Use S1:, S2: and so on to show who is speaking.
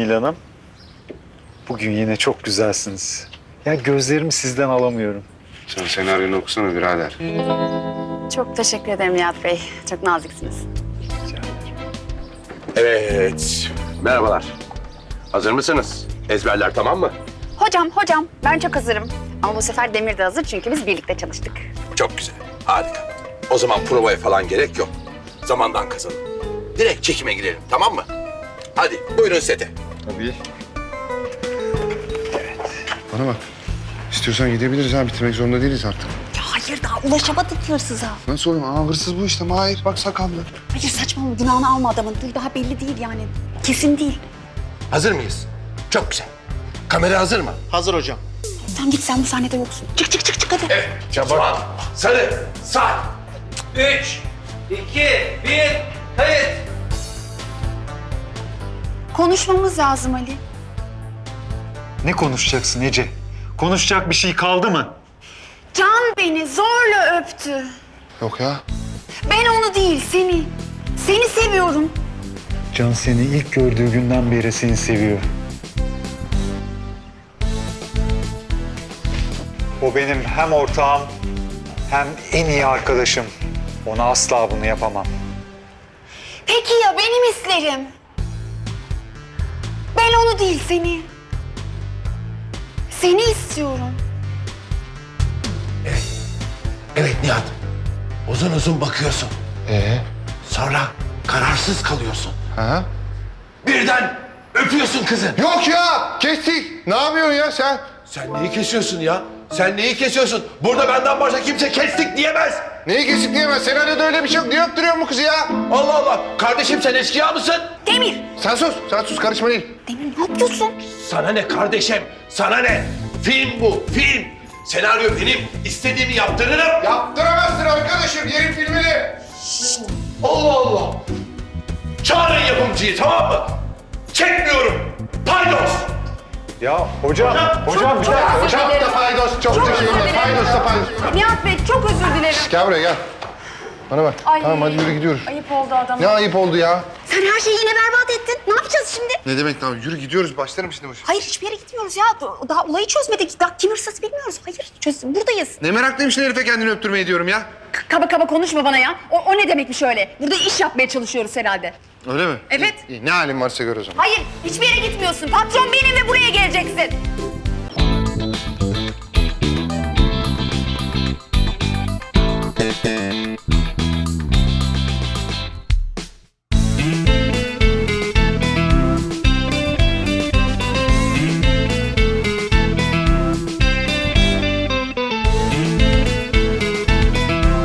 S1: Nihal Hanım. Bugün yine çok güzelsiniz. Ya gözlerimi sizden alamıyorum.
S2: Sen senaryonu okusana birader.
S3: Çok teşekkür ederim Nihat Bey. Çok naziksiniz.
S1: Rica ederim.
S4: Evet. Merhabalar. Hazır mısınız? Ezberler tamam mı?
S3: Hocam ben çok hazırım. Ama bu sefer Demir de hazır çünkü biz birlikte çalıştık.
S4: Çok güzel. Harika. O zaman provaya falan gerek yok. Zamandan kazanın. Direkt çekime girelim tamam mı? Hadi buyurun sete.
S1: Tabii.
S2: Bana bak. İstiyorsan gidebiliriz ha. Bitirmek zorunda değiliz artık.
S3: Ya hayır daha ulaşamadık hırsıza.
S2: Nasıl oğlum? Aa, hırsız bu işte. Mahir. Bak sakallı.
S3: Hayır saçmalama günahını alma adamın. Dur daha belli değil yani. Kesin değil.
S4: Hazır mıyız? Çok güzel. Kamera hazır mı?
S5: Hazır hocam.
S3: Tamam git sen bu sahnede yoksun. Çık hadi.
S4: Evet. Çabuk. Sarı. Sağ.
S5: 3, 2, 1, kayıt.
S3: Konuşmamız lazım Ali.
S1: Ne konuşacaksın Ece? Konuşacak bir şey kaldı mı?
S3: Can beni zorla öptü.
S2: Yok ya.
S3: Ben onu değil seni. Seni seviyorum.
S1: Can seni ilk gördüğü günden beri seni seviyor. O benim hem ortağım hem en iyi arkadaşım. Ona asla bunu yapamam.
S3: Peki ya benim hislerim? Ben onu değil seni. Seni istiyorum.
S4: Evet Nihat. Uzun uzun bakıyorsun. Sonra kararsız kalıyorsun.
S2: Ha?
S4: Birden öpüyorsun kızı.
S2: Yok ya. Kestik. Ne yapıyorsun ya sen?
S4: Sen neyi kesiyorsun ya? Sen neyi kesiyorsun? Burada benden başka kimse kestik diyemez.
S2: Neyi kesik diyemez? Senaryoda öyle bir şey yok. Niye öptürüyorsun bu kızı ya?
S4: Allah Allah. Kardeşim sen eşkıya mısın?
S3: Demir.
S2: Sen sus. Sen sus. Karışma değil.
S3: Demir ne yapıyorsun?
S4: Sana ne kardeşim? Sana ne? Film bu, film. Senaryo benim. İstediğimi yaptırırım.
S2: Yaptıramazsın arkadaşım. Yerin filmini.
S4: Allah Allah. Çağırın yapımcıyı tamam mı? Çekmiyorum. Paydos.
S1: Ya hocam bir dakika.
S2: Hocam da paydos. Çok teşekkürler. Paydos da paydos.
S3: Nihat Bey çok özür dilerim.
S2: Gel buraya gel. Bana bak.
S3: Ay.
S2: Tamam hadi yürü gidiyoruz.
S3: Ayıp oldu adama.
S2: Ne ayıp oldu ya?
S3: Sen her şeyi yine berbat ettin. Ne yapacağız şimdi?
S2: Ne demek lan? Yürü gidiyoruz. Başlarım şimdi bu.
S3: Hayır hiçbir yere gitmiyoruz ya. Daha olayı çözmedik. Daha kim hırsız bilmiyoruz. Hayır buradayız.
S2: Ne meraklıymışsın herife kendini öptürmeyi diyorum ya.
S3: Kaba kaba konuşma bana ya. O ne demekmiş öyle? Burada iş yapmaya çalışıyoruz herhalde.
S2: Öyle mi?
S3: Evet.
S2: İyi, ne halin varsa gör o zaman.
S3: Hayır hiçbir yere gitmiyorsun. Patron benim ve buraya geleceksin.